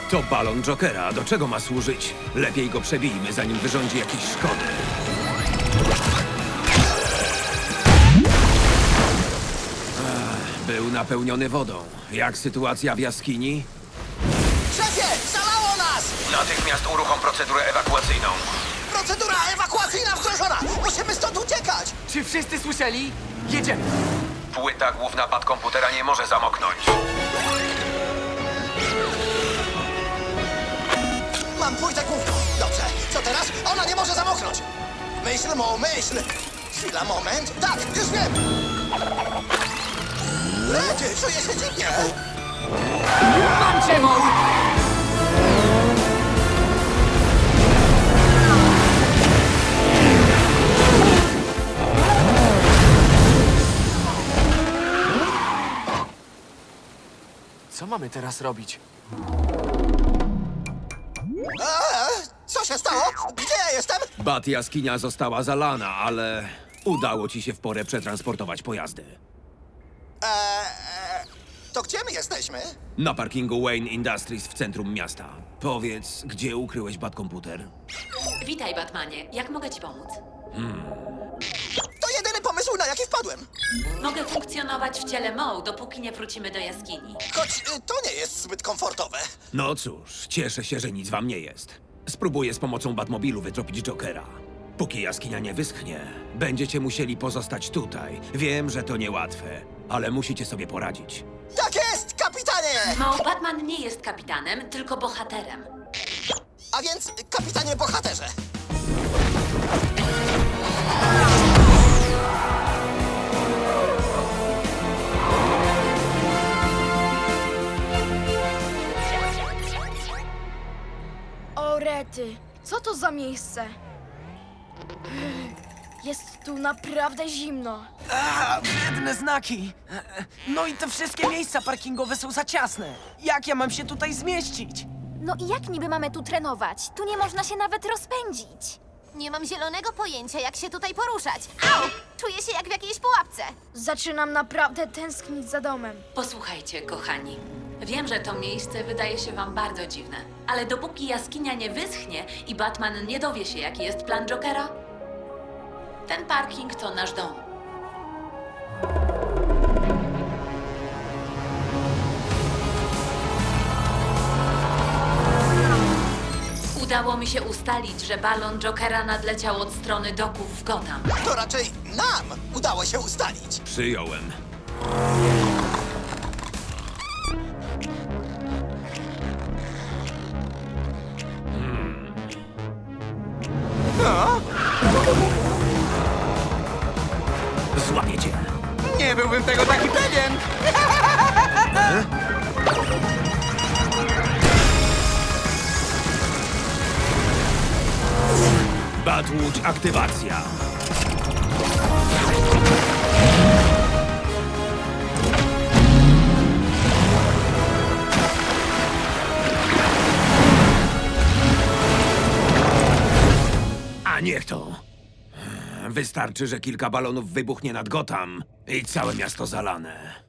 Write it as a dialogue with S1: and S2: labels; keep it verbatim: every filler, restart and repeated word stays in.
S1: To balon Jokera. Do czego ma służyć? Lepiej go przebijmy, zanim wyrządzi jakieś szkody. Ach, był napełniony wodą. Jak sytuacja w jaskini?
S2: Szefie, zalało nas!
S1: Natychmiast uruchom procedurę ewakuacyjną.
S2: Procedura ewakuacyjna wdrożona! Musimy stąd uciekać!
S3: Czy wszyscy słyszeli? Jedziemy!
S1: Płyta główna pad komputera nie może zamoknąć.
S2: Mam płytę główną. Dobrze, co teraz? Ona nie może zamoknąć! Myśl, Mo, myśl! Chwila, moment. Tak, już wiem! Rety, czuję się dziwnie!
S3: Mam cię, Mo! Co mamy teraz robić?
S2: Eee, co się stało? Gdzie ja jestem?
S1: Bat jaskinia została zalana, ale udało ci się w porę przetransportować pojazdy.
S2: Eee, to gdzie my jesteśmy?
S1: Na parkingu Wayne Industries w centrum miasta. Powiedz, gdzie ukryłeś bat komputer?
S4: Witaj, Batmanie. Jak mogę ci pomóc?
S2: To jedyny pomysł, na jaki wpadłem.
S4: Mogę funkcjonować w ciele Mo, dopóki nie wrócimy do jaskini.
S2: Choć y, to nie jest zbyt komfortowe.
S1: No cóż, cieszę się, że nic wam nie jest. Spróbuję z pomocą Batmobilu wytropić Jokera. Póki jaskinia nie wyschnie, będziecie musieli pozostać tutaj. Wiem, że to niełatwe, ale musicie sobie poradzić.
S2: Tak jest, kapitanie!
S4: Mo, Batman nie jest kapitanem, tylko bohaterem.
S2: A więc, kapitanie bohaterze.
S5: O rety, co to za miejsce? Jest tu naprawdę zimno.
S3: A, biedne znaki! No i te wszystkie miejsca parkingowe są za ciasne. Jak ja mam się tutaj zmieścić?
S6: No i jak niby mamy tu trenować? Tu nie można się nawet rozpędzić. Nie mam zielonego pojęcia, jak się tutaj poruszać. Au! Czuję się jak w jakiejś pułapce.
S5: Zaczynam naprawdę tęsknić za domem.
S4: Posłuchajcie, kochani. Wiem, że to miejsce wydaje się wam bardzo dziwne, ale dopóki jaskinia nie wyschnie i Batman nie dowie się, jaki jest plan Jokera, ten parking to nasz dom. Udało mi się ustalić, że balon Jokera nadleciał od strony doków w Gotham.
S2: To raczej nam udało się ustalić.
S1: Przyjąłem. Złapię cię.
S3: Nie byłbym tego taki pewien!
S1: Batłódź aktywacja. A niech to. Wystarczy, że kilka balonów wybuchnie nad Gotham i całe miasto zalane.